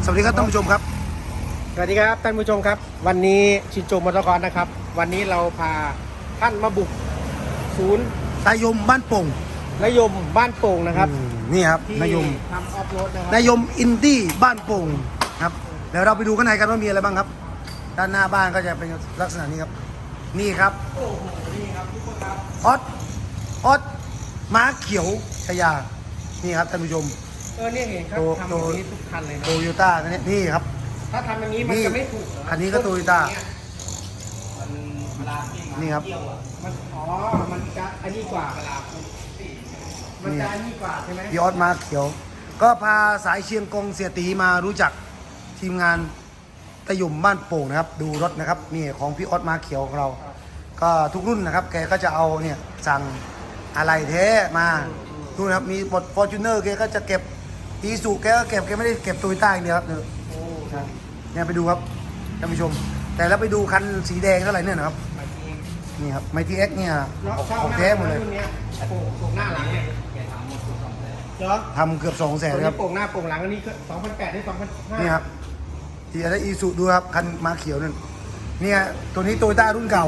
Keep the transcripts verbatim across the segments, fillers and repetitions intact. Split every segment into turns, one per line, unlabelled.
วัสดีครับท่านผู้ชมครับ
สวัสดีครับท่านผู้ชมครับวันนี้ชินโจมอเตอร์คอร์สนะครับวันนี้เราพาท่านมาบุกศูนย์
นายมบ้านโป่ง
นายมบ้านโป่งนะครับ
นี่ครับ
ที่
นายม
ทำออฟโรดนะครับ
นายมอินดี้บ้านโป่งครับเดี๋ยวเราไปดูข้างในกันว่ามีอะไรบ้างครับด้านหน้าบ้านก็จะเป็นลักษณะนี้ครับนี่ครับ
โอ้โหนี่ครับทุกคนครับ
ออสออสม้าเขียวชยานี่ครับท่านผู้ชม
เออเนี่ยเห็นครับทำอย่างนี้ทุกคันเลยนะ
โตโยต้าเนี่ยนี่ครับ
ถ้าทำอย่างนี้มันจะไม่ถูก
คันนี้ก็โตโยต้า
มันเวลาที่มา
นี่ครับ
เที่ยวอ่ะมันอ๋อมันจะอันนี้กว่าเวลามันจะอันนี้กว่าใช่ไหม
พี่ออสม้าเขียว ก็พาสายเชียงกงเสียตีมารู้จักทีมงานตะยุ่มบ้านโป่งนะครับดูรถนะครับนี่ของพี่ออสม้าเขียวของเราก็ทุกรุ่นนะครับแกก็จะเอาเนี่ยสั่งอะไรแท้มาดูนะครับมีบทฟอร์จูเนอร์แกก็จะเก็บอีซูแกก็เก็บแกไม่ได้เก็บโตโยต้าอย่างเดียวครับเนี่ยเนี่ยไปดูครับท่านผู้ชมแต่แล้วไปดูคันสีแดงเท่าไหร่เนี่ยนะครับนี่ครับไมทีเอ็กเนี่ยของแท้หมดเลย
โป่งหน้าหลังเนี่ยเหรอ
ทำเกือบสองแสนครับ
โป่งหน้าโป่งหลังอันนี้ก็สองพันแปดได้สองพันห้า
นี่ครับที่อะไรอีซูดูครับคันมาเขียวนั่นเนี่ยตัวนี้โตโยต้ารุ่นเก่า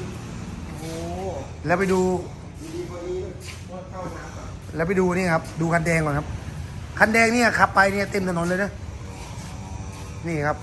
แล้วไปดูแล้วไปดูนี่ครับดูคันแดงก่อนครับคันแดงเนี่ยขับไปเนี่ยเต็มถนนเลยนะนี่ครับ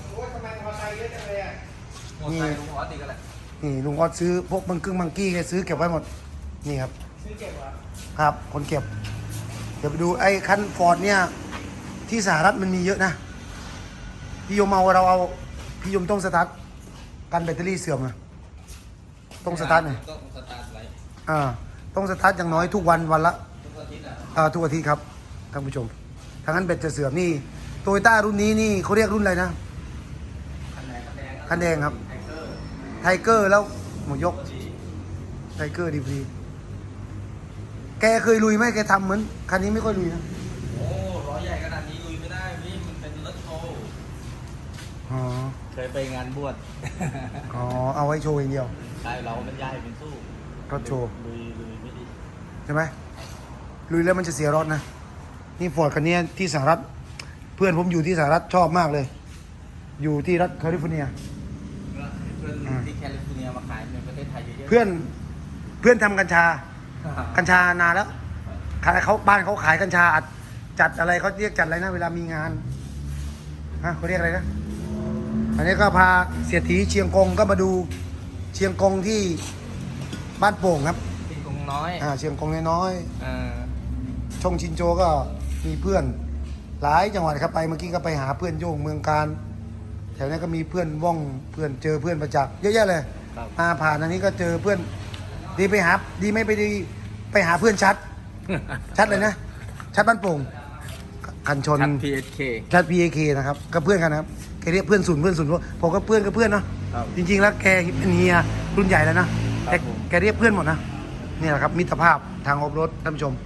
นี่นี่ลุงออดซื้อพวกบังกึ่งบังกี้แกซื้อเก็บไว้หมดนี่ครับ
ซื้อเก็บเหรอ
ครับคนเก็บเดี๋ยวไปดูไอ้คันฟอร์ดเนี่ยที่สหรัฐมันมีเยอะนะพี่ยมเอาเราเอาพี่ยมต้องสตาร์ทกันแบตเตอรี่เสื่อมนะต้องสตาร์ทหน่อย
ต้องสตาร์ทไว้
อ่าต้องสตาร์ทอย่างน้อยทุกวันวันละ
ทุกอาทิตย์อ่ะ
อ่าทุกอาทิตย์ครับท่านผู้ชมทางนั้นแบตจะเสื่อมนี่โตโยต้ารุ่นนี้นี่เขาเรียกรุ่นอะไรนะคันแดงครับไทเกอร์แล้วหมูยกไทเกอร์ดีพีแกเคยลุยไหมแกทำเหมือนคันนี้ไม่ค่อยลุยนะ
โอ้ร้อยใหญ่ขนาดนี้ลุยไม่ได้พี่มันเป็นรถโชว์
อ๋อ
เคยไปงานบวช
อ๋อเอาไว้โชว์อย่างเดียว
ใช่เราเป็นใหญ่เป็นสู้
รถโชว์
ลุยลุยไม่ดี
ใช่ไหมลุยแล้วมันจะเสียรถนะนี่ฟอร์ดคันนี้ที่สหรัฐเพื่อนผมอยู่ที่สหรัฐชอบมากเลย อยู่ที่รัฐแคลิฟอร์เนีย
เพื่อนที่แคลิฟอร์เนียมาขายในประเทศไทยเยอะๆ
เพื่อนเพื่อนทำกัญชากัญชานานแล้วเขาบ้านเขาขายกัญชาจัดอะไรเขาเรียกจัดอะไรนะเวลามีงานฮะเขาเรียกอะไรนะอันนี้ก็พาเสียถีเชียงกงก็มาดูเชียงกงที่บ้านโป่งครับ
เชียงกงน้อย
อ่าเชียงกงน้อย
ๆ
ชงชินโจก็มีเพื่อนหลายจังหวัดครับไปเมื่อกี้ก็ไปหาเพื่อนโยงเมืองการแถวนี้ก็มีเพื่อนว่องเพื่อนเจอเพื่อนประจักษ์เยอะแยะเลยมาผ่านอันนี้ก็เจอเพื่อนดีไปหาดีไม่ไปดีไปหาเพื่อนชัดชัดเลยนะชัดบ้านโป่งกันชน
ชัด พี เอส เค
ชัด พี เอ เค นะครับก็เพื่อนกันนะครับแกเรียกเพื่อนศูนย์เพื่อนศูนย์ผมก็เพื่อนก็เพื่อนเนาะจริงๆแล้วแกเป็นเฮียรุ่นใหญ่แล้วนะแต่แกเรียกเพื่อนหมดนะนี่แหละครับมิตรภาพทางออฟโรดท่านผู้ชม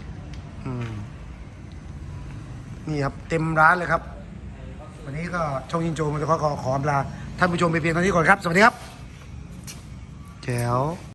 นี่ครับเต็มร้านเลยครับวันนี้ก็ช่องยินโจมันจะขอขอขออำลาท่านผู้ชมไปเพียงเท่านี้ก่อนครับสวัสดีครับแจ๋ว